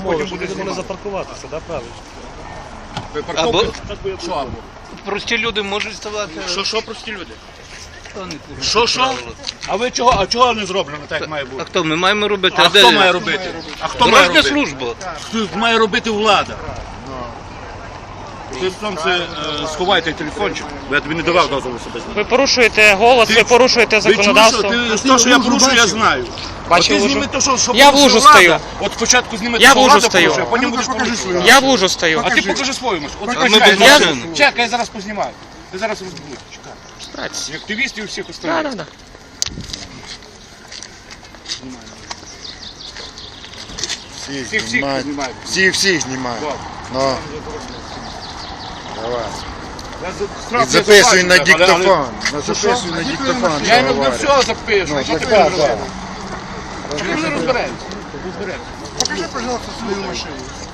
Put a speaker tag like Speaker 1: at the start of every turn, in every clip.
Speaker 1: потім буде змогли запаркуватися, да, правильно?
Speaker 2: Або
Speaker 3: Що або?
Speaker 2: прості люди можуть ставати.
Speaker 3: Що прості люди?
Speaker 2: Хто не порушує
Speaker 3: Що?
Speaker 2: правила?
Speaker 3: А ви чого? А чого не зроблено так, як має
Speaker 2: А
Speaker 3: бути?
Speaker 2: хто ми маємо робити?
Speaker 3: А
Speaker 2: де?
Speaker 3: хто має робити? А хто має
Speaker 2: Дорожня
Speaker 3: робити?
Speaker 2: служба.
Speaker 3: Хто має робити влада? Ти сонце сховай телефончик, бо я тобі не давав дозволу себе знати.
Speaker 4: Ви порушуєте голос, ви порушуєте законодавство.
Speaker 3: Те, що я порушую, я знаю.
Speaker 4: Бачив
Speaker 3: От ти
Speaker 4: лужу?
Speaker 3: зніми те, що
Speaker 4: Я в
Speaker 3: порушує
Speaker 4: лужу
Speaker 3: влада.
Speaker 4: стою.
Speaker 3: От спочатку зніми те,
Speaker 4: Я
Speaker 3: що
Speaker 4: в лужу
Speaker 3: влада
Speaker 4: стою.
Speaker 3: порушує, а потім будеш порушувати.
Speaker 4: Я в лужу стою.
Speaker 3: А ти покажи свою машину. От
Speaker 2: ми
Speaker 3: чекай,
Speaker 2: без
Speaker 3: зараз-
Speaker 2: машини.
Speaker 3: Чекай, я зараз познімаю. Ти зараз розбудеш. Чекай.
Speaker 4: Братці.
Speaker 3: Як активістів і всіх
Speaker 4: Да,
Speaker 3: остальних.
Speaker 4: да, да.
Speaker 3: Всіх знімають.
Speaker 5: Всіх знімають.
Speaker 3: Добре.
Speaker 5: Ну, давай.
Speaker 3: Я
Speaker 5: І
Speaker 3: справді
Speaker 5: записуй на
Speaker 3: бачу, але-
Speaker 5: диктофон. Записуй на диктофон.
Speaker 3: Я
Speaker 5: що
Speaker 3: на
Speaker 5: говорить.
Speaker 3: все запишу,
Speaker 5: Ну,
Speaker 3: що
Speaker 5: так,
Speaker 3: ти
Speaker 5: так,
Speaker 3: не
Speaker 5: так.
Speaker 3: Чому не розберемося?
Speaker 5: Покажи, пожалуйста, свою машину.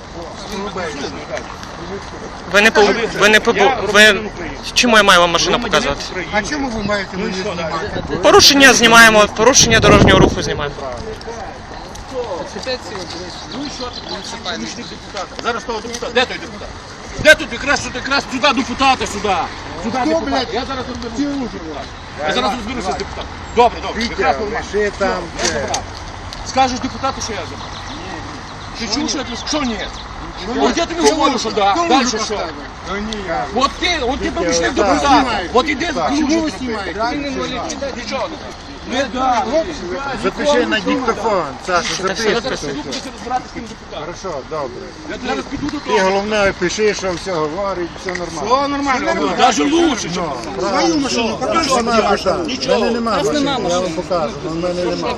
Speaker 4: Ви не ви... Чому я маю вам машину показувати?
Speaker 5: А чому ви маєте мені знімати?
Speaker 4: Порушення знімаємо, порушення дорожнього руху знімаємо.
Speaker 3: Зараз того депутата. Де той депутат? Де тут якраз сюди депутата, сюди. Сюди депутата. Я зараз розберуся. Я зараз розберуся з депутатом. Добре. Якраз нормально.
Speaker 5: Лиши там.
Speaker 3: Скажеш депутату, що я забрав? Ти чув, що я тобі сказав? Що ні? От я тобі говорю, що да. Далі що? От ти помічник депутата. От іди з чому знімаєте? Нічого не. Не да.
Speaker 5: Запиши на диктофон, Саша,
Speaker 3: Я зараз
Speaker 5: записуй.
Speaker 3: піду, будеш розбиратися з ким депутатом.
Speaker 5: Хорошо, добре.
Speaker 3: Я зараз піду до
Speaker 5: Ти
Speaker 3: того.
Speaker 5: головне пиши, що все говорить, все нормально.
Speaker 3: Все нормально. Навіть лучше, ніж
Speaker 5: Свою машину покажи. Нічого. Мене нема машини, я вам покажу, але в мене нема.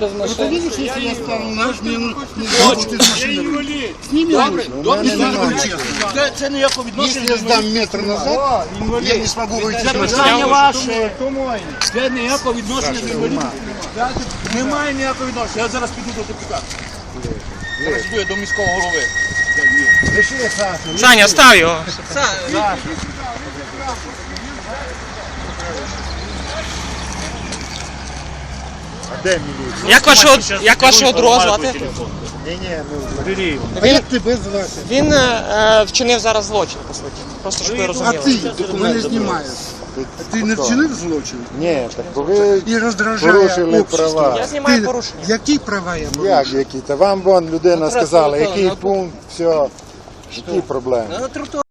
Speaker 3: Це ніякого відношення.
Speaker 5: Если я сдам метр назад, я не смогу выйти
Speaker 3: Це
Speaker 5: с машины.
Speaker 3: питання ваше. Це ніякого відношення до інвалідів. Немає ніякого відношення. Я зараз піду до депутата. Зараз йду я до міського голови.
Speaker 5: Пиши, Саша.
Speaker 4: Саня, став його.
Speaker 5: А де міліція?
Speaker 4: Як вашого друга звати?
Speaker 5: Ні, ну, як тебе звати?
Speaker 4: Він вчинив зараз злочин, по суті. Просто щоб ви
Speaker 6: А
Speaker 4: розуміли.
Speaker 6: ти мене знімаєш. Ти не вчинив злочин?
Speaker 5: Ні, так ви
Speaker 6: І роздражає
Speaker 5: порушили
Speaker 6: общество.
Speaker 5: права.
Speaker 4: Я знімаю порушення.
Speaker 6: Які права я порушив?
Speaker 5: Як які? Та вам вон людина сказала, який пункт, все, які проблеми.